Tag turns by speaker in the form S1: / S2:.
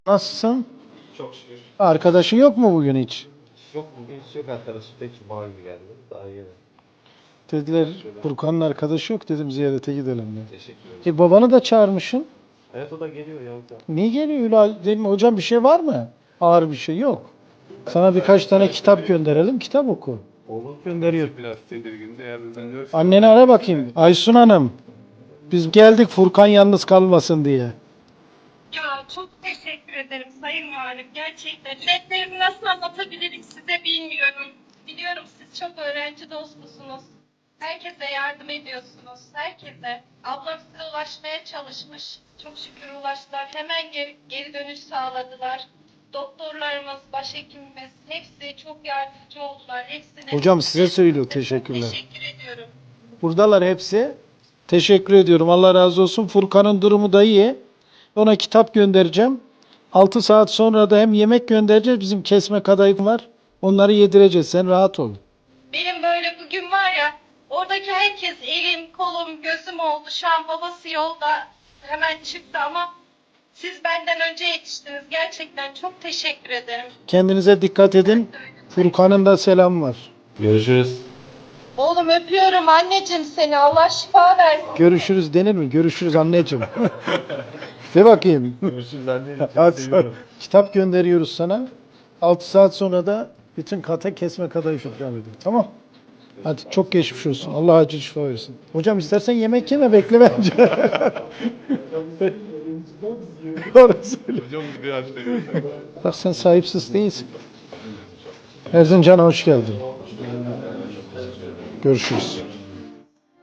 S1: Nasılsın?
S2: Çok şükür.
S1: Arkadaşın yok mu bugün hiç?
S2: Yok bugün hiç yok arkadaşım. Tek cuma günü geldi. Daha yeni.
S1: Dediler Furkan'ın arkadaşı yok, dedim ziyarete gidelim diye.
S2: Teşekkür ederim.
S1: Babanı da çağırmışsın.
S2: Evet o da geliyor ya.
S1: Niye geliyor Ülal? Dedim hocam bir şey var mı? Ağır bir şey yok. Sana birkaç tane kitap gönderelim, kitap oku.
S2: Oğlum
S1: Gönderiyor.
S3: Biraz tedirgin de yarın dönüyoruz.
S1: Anneni ara bakayım. Aysun Hanım. Biz geldik Furkan yalnız kalmasın diye.
S4: Ya çok teşekkür ederim Sayın Valim. Gerçekten dertlerimi nasıl anlatabilirim size bilmiyorum. Biliyorum siz çok öğrenci dostusunuz. Herkese yardım ediyorsunuz. Herkese. Ablam size ulaşmaya çalışmış. Çok şükür ulaştılar. Hemen geri dönüş sağladılar. Doktorlarımız, başhekimimiz hepsi çok yardımcı oldular. Hepsine
S1: Hocam size söylüyor, teşekkürler.
S4: teşekkür ediyorum.
S1: Buradalar hepsi. Teşekkür ediyorum. Allah razı olsun. Furkan'ın durumu da iyi. Ona kitap göndereceğim. 6 saat sonra da hem yemek göndereceğiz. Bizim kesme kadayıf var. Onları yedireceğiz. Sen rahat ol.
S4: Benim böyle bugün var ya, oradaki herkes elim, kolum, gözüm oldu. Şu an babası yolda hemen çıktı ama siz benden önce yetiştiniz. Gerçekten çok teşekkür ederim.
S1: Kendinize dikkat edin. Furkan'ın da selamı var.
S2: Görüşürüz.
S4: Oğlum öpüyorum anneciğim seni. Allah şifa versin.
S1: Görüşürüz denir mi? Görüşürüz anneciğim. De bakayım.
S2: Görüşürüz anne.
S1: Hadi kitap gönderiyoruz sana. 6 saat sonra da bütün kata kesme kadayıf ikram ediyor. Tamam. Hadi çok geçmiş olsun. Allah acil şifa versin. Hocam istersen yemek yeme, bekle bence. Doğru söyle.
S3: Hocam biraz seviyorum.
S1: Bak sen sahipsiz değilsin. Erzincan'a hoş geldin. Görüşürüz.